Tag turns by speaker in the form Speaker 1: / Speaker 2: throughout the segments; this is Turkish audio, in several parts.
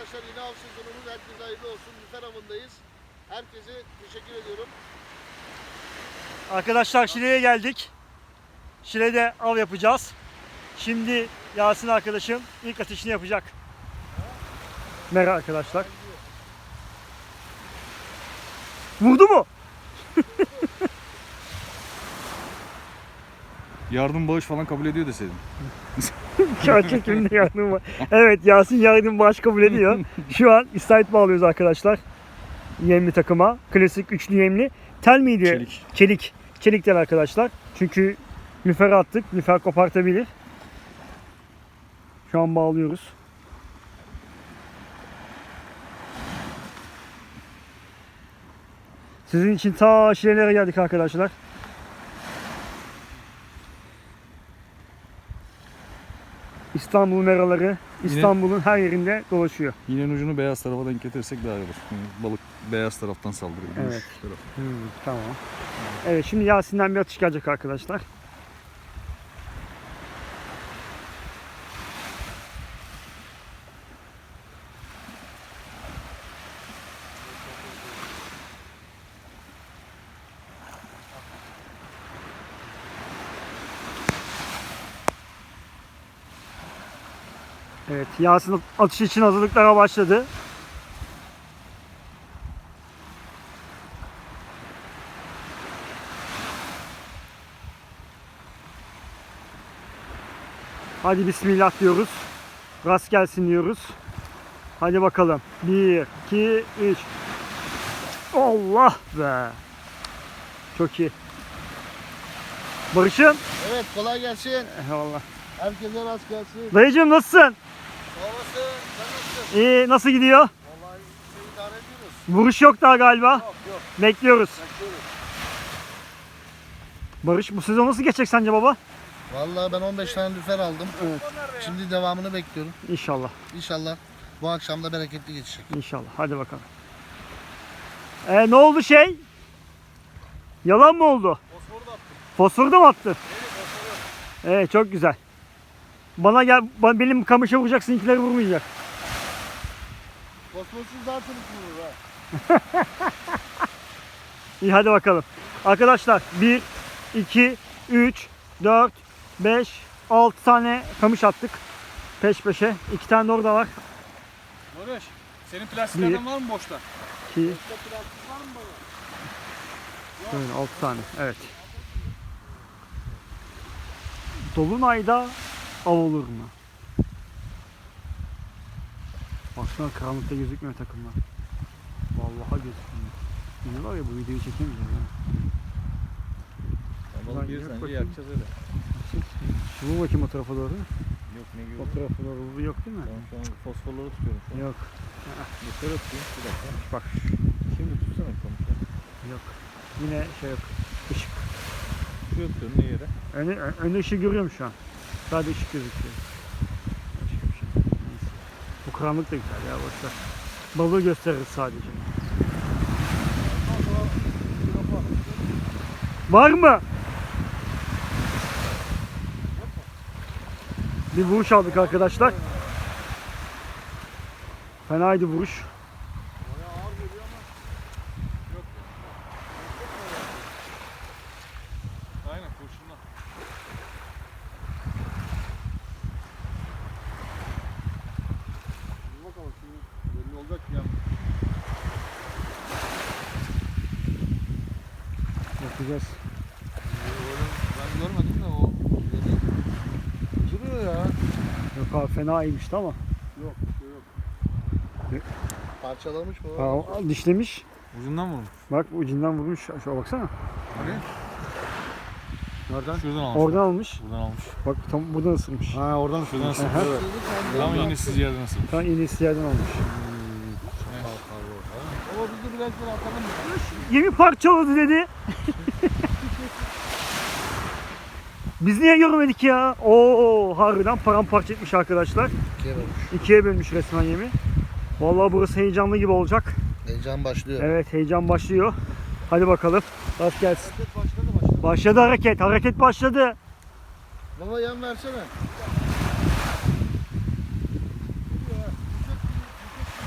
Speaker 1: arkadaşlar yine av sezonumuz herkese hayırlı olsun. Lüfer avındayız. Herkese teşekkür ediyorum.
Speaker 2: Arkadaşlar Şile'ye geldik. Şile'de av yapacağız. Şimdi Yasin arkadaşım ilk atışını yapacak. Merhaba arkadaşlar. Vurdu mu?
Speaker 3: Yardım bağış falan kabul ediyor deseydin.
Speaker 2: Kağıt çekiminde yardım var. Evet, Yasin yardım bağış kabul ediyor. Şu an istavrit bağlıyoruz arkadaşlar. Yemli takıma. Klasik üçlü yemli. Tel miydi?
Speaker 3: Çelik.
Speaker 2: Çelik. Çelik tel arkadaşlar. Çünkü lüfer attık. Lüfer kopartabilir. Şu an bağlıyoruz. Sizin için ta Şile'lere geldik arkadaşlar. İstanbul'un meraları, İstanbul'un her yerinde dolaşıyor.
Speaker 3: İğnenin ucunu beyaz tarafa denk getirirsek daha iyi olur. Yani balık beyaz taraftan saldırıyor.
Speaker 2: Evet. Tamam. Evet, şimdi Yasin'den bir atış gelecek arkadaşlar. Evet, Yasin atış için hazırlıklara başladı. Hadi bismillah diyoruz. Rast gelsin diyoruz. Hadi bakalım. 1, 2, 3. Allah be. Çok iyi. Barış'ım.
Speaker 1: Evet, kolay gelsin.
Speaker 2: Eyvallah.
Speaker 1: Herkese rast gelsin.
Speaker 2: Dayıcığım nasılsın?
Speaker 1: Babası, sen nasılsın?
Speaker 2: İyi, nasıl gidiyor?
Speaker 1: Vallahi idare ediyoruz.
Speaker 2: Vuruş yok daha galiba.
Speaker 1: Yok.
Speaker 2: Bekliyoruz.
Speaker 1: Bekliyoruz.
Speaker 2: Barış, bu sezon nasıl geçecek sence baba?
Speaker 1: Vallahi ben 15 tane lüfer aldım.
Speaker 2: Evet.
Speaker 1: Şimdi devamını bekliyorum.
Speaker 2: İnşallah.
Speaker 1: İnşallah bu akşam da bereketli geçecek.
Speaker 2: İnşallah. Hadi bakalım. Ne oldu şey? Yalan mı oldu? Fosforu da mı attı? Evet, çok güzel. Bana gel, benim kamışa vuracak, seninkileri vurmayacak.
Speaker 1: Kosmossuz daha çabuk vurur ha.
Speaker 2: İyi, hadi bakalım. Arkadaşlar 1, 2, 3, 4, 5, 6 tane kamış attık. Peş peşe. 2 tane de orada var.
Speaker 4: Barış, senin plastiklerden var mı boşta?
Speaker 2: 2, böyle 6 tane. Evet. Dolunayda av olur mu? Baksana, karanlıkta gözükmüyor takımlar. Vallahi gözükmüyor. İyi var ya, bu videoyu çekemeyeceğim. Ya.
Speaker 3: Balık
Speaker 2: Yok,
Speaker 3: gelirsen
Speaker 2: bakayım.
Speaker 3: yakacağız öyle.
Speaker 2: Şu vur bakayım o tarafa doğru.
Speaker 3: Yok ne gibi?
Speaker 2: O tarafa doğru bu yok değil mi?
Speaker 3: Ben şu an fosforları tutuyorum. Şu an.
Speaker 2: Yok.
Speaker 3: Yukarı tutayım. Bir dakika.
Speaker 2: Bak.
Speaker 3: Şimdi tutsana bir kamışı.
Speaker 2: Yok. Yine şey yok. Işık.
Speaker 3: Şuraya tutuyorum ne yere?
Speaker 2: Önde ışığı görüyorum şu an. Sadece ışık gözüküyor. Başka bir şey. Neyse. Bu karanlık da güzel ya, boşver. Balığı gösteririz sadece. Var mı? Bir vuruş aldık arkadaşlar. Fenaydı vuruş.
Speaker 4: Aynen, kurşunla. Dur bakalım, şimdi belli olacak ya.
Speaker 2: Bakacağız.
Speaker 4: Ben görmedim de o dedi.
Speaker 1: Duruyor ya.
Speaker 2: Yok abi, fena iyiymişti ama.
Speaker 4: Yok, şey yok.
Speaker 1: Parçalamış mı?
Speaker 2: Dişlemiş.
Speaker 3: Ucundan vurmuş.
Speaker 2: Bak, ucundan vurmuş. Şuna baksana.
Speaker 4: Hani?
Speaker 3: Nereden? Şuradan almış.
Speaker 2: Oradan almış.
Speaker 3: Buradan almış.
Speaker 2: Bak, tam buradan ısırmış.
Speaker 3: Ha oradan şuradan ısırmış.
Speaker 2: Aha.
Speaker 3: Evet. Tam iğnesiz yerden ısırmış.
Speaker 2: Tam iğnesiz yerden almış.
Speaker 1: Ama biz de biraz daha atalım mı?
Speaker 2: Yemi parçaladı dedi. Biz niye görmedik ya? Oo, harbiden paramparça etmiş arkadaşlar.
Speaker 1: İkiye bölmüş.
Speaker 2: İkiye bölmüş resmen yemi. Vallahi burası heyecanlı gibi olacak.
Speaker 1: Heyecan başlıyor.
Speaker 2: Evet, heyecan başlıyor. Hadi bakalım. Rast gelsin.
Speaker 1: Hareket başladı.
Speaker 2: Başladı hareket. Hareket başladı.
Speaker 1: Baba yan versene.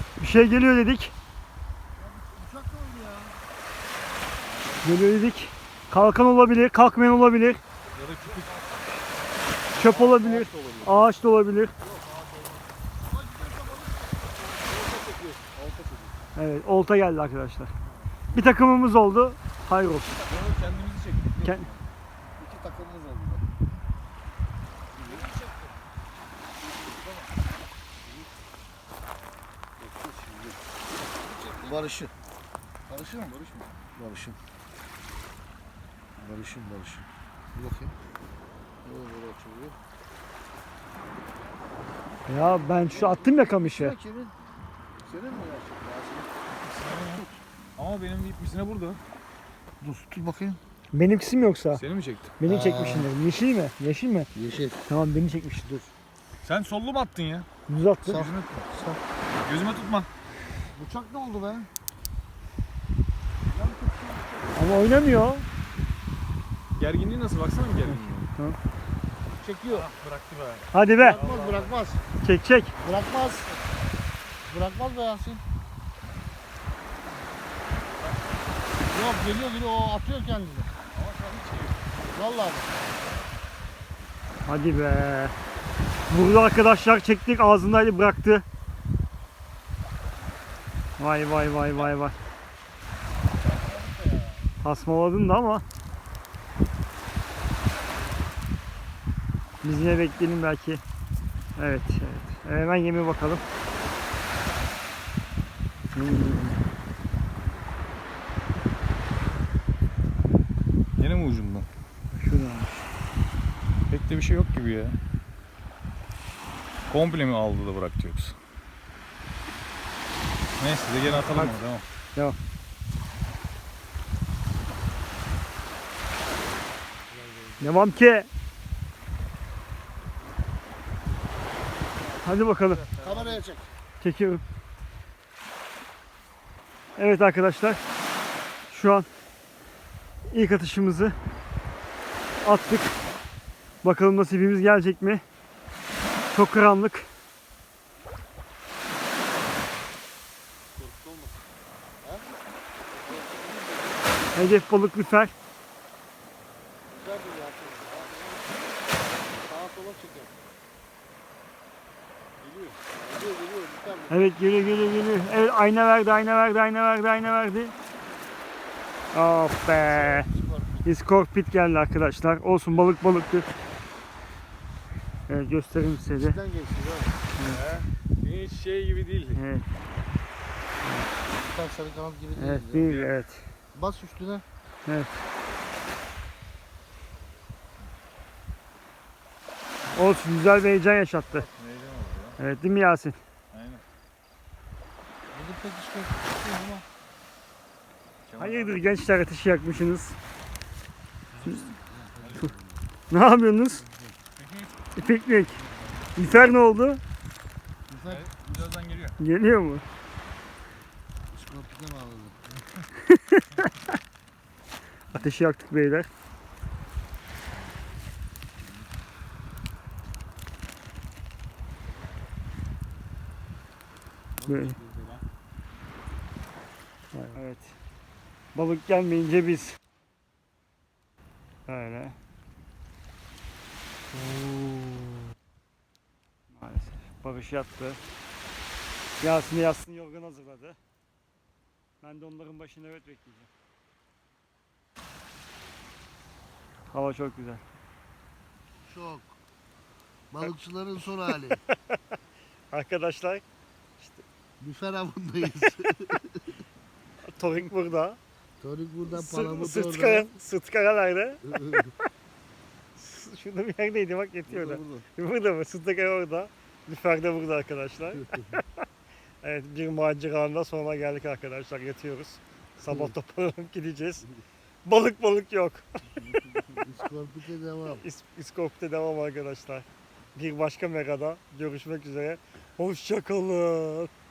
Speaker 2: Bir şey geliyor dedik.
Speaker 1: Uçak ne oldu ya?
Speaker 2: Geliyor dedik. Kalkan olabilir, kalkmayan olabilir.
Speaker 3: Ya da küçük
Speaker 2: Çöp olabilir, ağaç da olabilir. Evet, olta geldi arkadaşlar. Bir takımımız oldu. Hayır olsun.
Speaker 3: kendimizi çektik.
Speaker 2: Kend-
Speaker 1: İki takımımız oldu. Barış'ın. Barış'ın mı? Barış mı? Barış'ın. Barış'ın. Bir bakayım. Böyle açılıyor.
Speaker 2: Ya ben şu attım ya kamışı.
Speaker 1: Ya kimin? Senin mi gerçekten?
Speaker 3: Ama benim ip misine burada.
Speaker 1: Dur tut bakayım.
Speaker 2: Benimkisi mi yoksa?
Speaker 3: Seni mi çektim?
Speaker 2: Beni çekmişsin. Yeşil mi? Yeşil mi?
Speaker 1: Yeşil.
Speaker 2: Tamam beni çekmişsin dur.
Speaker 3: Sen sollu mu attın ya?
Speaker 2: Düz attım.
Speaker 1: Sağ.
Speaker 3: Gözüme tutma.
Speaker 1: Bıçak ne oldu be?
Speaker 2: Ama oynamıyor.
Speaker 3: Gerginliği nasıl? Baksana bir gerginliği.
Speaker 2: Tamam.
Speaker 1: Çekiyor.
Speaker 3: Bıraktı be.
Speaker 2: Hadi be.
Speaker 1: Bırakmaz.
Speaker 2: Çek çek.
Speaker 1: Bırakmaz. Bırakmaz be Yasin. Yok geliyor o atıyor kendini. Vallahi bak.
Speaker 2: Hadi be. Vurdu arkadaşlar, çektik, ağzındaydı, bıraktı. Vay vay vay vay vay. Tasmaladın da ama. Biz yine bekleyelim belki. Evet, evet. Hemen yeme bakalım.
Speaker 3: Yine mi ucundan?
Speaker 2: Şuradan.
Speaker 3: Pek de bir şey yok gibi ya. Komple mi aldı da bıraktı yoksa? Neyse de gene atalım
Speaker 2: Hadi.
Speaker 3: onu, tamam.
Speaker 2: Devam. Devam ki. Hadi bakalım.
Speaker 1: Kameraya çek.
Speaker 2: Çekiyorum. Evet arkadaşlar. Şu an ilk atışımızı attık. Bakalım nasibimiz gelecek mi? Çok karanlık. Hedef balık lüfer.
Speaker 1: Güzel bir Yasin. Sağa sola çekiyor. Geliyor. Lütfen.
Speaker 2: Evet geliyor. Evet ayna verdi. Of be. Iskorpit geldi arkadaşlar. Olsun balıktır. Evet göstereyim size de.
Speaker 1: İçinden geçti.
Speaker 3: Hiç şey gibi değil.
Speaker 2: Evet,
Speaker 1: Lütfen sarı kanat gibi değil.
Speaker 2: evet,
Speaker 1: ya.
Speaker 2: değil, evet.
Speaker 1: Bas üstüne.
Speaker 2: Olsun güzel bir heyecan yaşattı. Evet değil mi Yasin?
Speaker 3: Aynen.
Speaker 1: Bizim pek hiç korkutuyor ama.
Speaker 2: Hayırdır gençler ateşi yakmışsınız. Ne yapıyorsunuz? Piknik. Lüfer ne oldu?
Speaker 1: Lütfen
Speaker 3: Birazdan geliyor.
Speaker 2: Geliyor mu?
Speaker 1: iskorpite bağladı.
Speaker 2: Ateşi yaktık beyler. Böyle. Evet. Balık gelmeyince biz. Böyle. Maalesef. Barış yattı. Yasin de yatsın yorgan hazırladı. Ben de onların başında evet bekleyeceğim. Hava çok güzel.
Speaker 1: Şok. Balıkçıların son hali.
Speaker 2: Arkadaşlar
Speaker 1: Lüfer avındayız.
Speaker 2: Torik burada.
Speaker 1: Torik burada, palamut
Speaker 2: Sırt
Speaker 1: orada.
Speaker 2: kara, sırt kara nerede? Şurada bir yerdeydi bak yetiyor da. Burada mı? Sırt kara orada. Lüfer de burada arkadaşlar. Evet bir maceranın sonuna geldik arkadaşlar. Yatıyoruz. Sabah toparlanıp gideceğiz. Balık yok.
Speaker 1: İskorpite devam.
Speaker 2: İskop'ta devam arkadaşlar. Bir başka megada görüşmek üzere. Hoşça kalın.